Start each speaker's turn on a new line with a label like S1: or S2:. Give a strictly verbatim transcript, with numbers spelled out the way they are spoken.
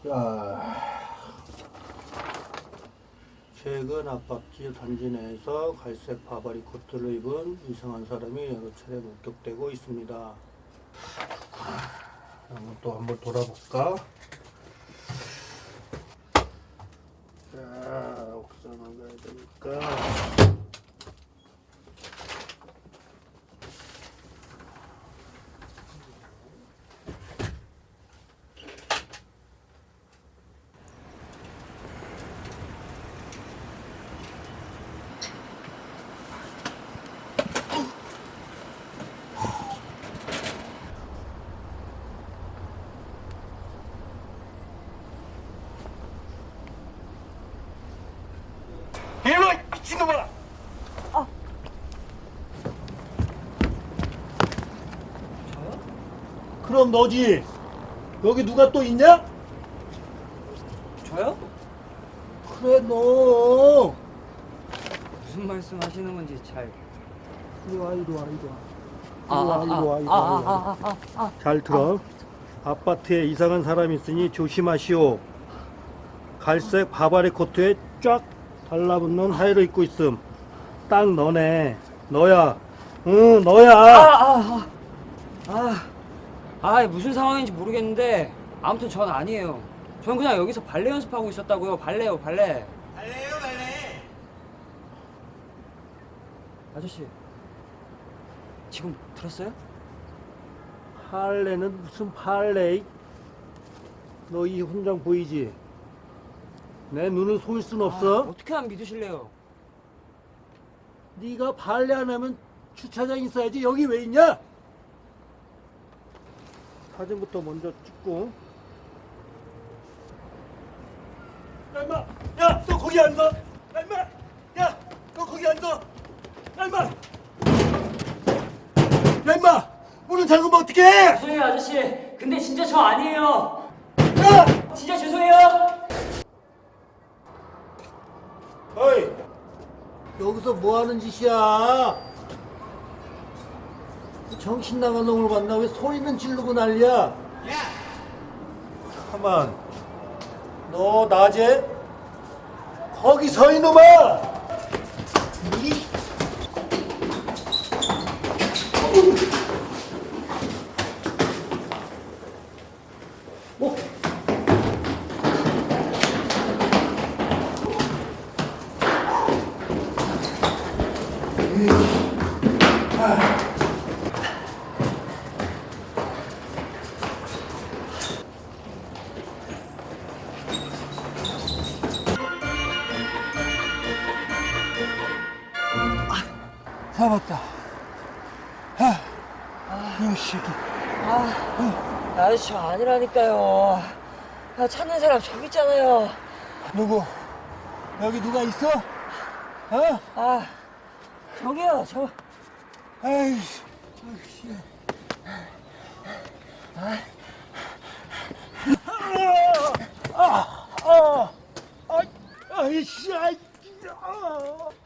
S1: 자, 최근 아파트 단지 내에서 갈색 바바리 코트를 입은 이상한 사람이 여러 차례 목격되고 있습니다. 한번 또 한번 돌아볼까? 자, 옥상을 가야 되니까. 이놈아, 미친놈아!
S2: 아.
S1: 저요? 그럼 너지. 여기 누가 또 있냐?
S2: 저요?
S1: 그래, 너.
S2: 무슨 말씀 하시는 건지 잘.
S1: 이리 와, 이리 와, 이리 와.
S2: 아,
S1: 이리 와, 이리 와, 이리 와.
S2: 아, 아, 아, 아, 아.
S1: 잘 들어. 아파트에 이상한 사람이 있으니 조심하시오. 갈색 바바리 코트에 쫙 달라붙는 하의를 입고 있음. 딱 너네. 너야. 응, 너야.
S2: 아, 아, 아, 아, 무슨 상황인지 모르겠는데 아무튼 전 아니에요. 전 그냥 여기서 발레 연습하고 있었다고요. 발레요, 발레.
S3: 발레요 발레.
S2: 아저씨, 지금 들었어요?
S1: 할래는 무슨 팔레? 너 이 훈장 보이지? 내 눈을 속일 순 없어.
S2: 아, 어떻게 안 믿으실래요?
S1: 네가 발레 안 하면 주차장 있어야지. 여기 왜 있냐? 사진부터 먼저 찍고. 야 임마! 야! 너 거기 앉아! 야 임마! 야! 너 거기 앉아! 야 임마! 야 임마! 문을 잠그면 어떡해!
S2: 죄송해요, 아저씨. 근데 진짜 저 아니에요.
S1: 야!
S2: 진짜 죄송해요.
S1: 어이! 여기서 뭐 하는 짓이야? 정신 나간 놈을 봤나? 왜 소리는 지르고 난리야?
S3: 야.
S1: 가만. 너 낮에 거기 서 이놈아. 이. 어? 잡았다. 아, 이 새끼.
S2: 아, 아저씨 저 아니라니까요. 아, 찾는 사람 저기 있잖아요.
S1: 누구? 여기 누가 있어? 어?
S2: 아, 저기요, 저.
S1: 아이씨. 아이씨. 아, 아, 아, 아이씨, 아이, 아.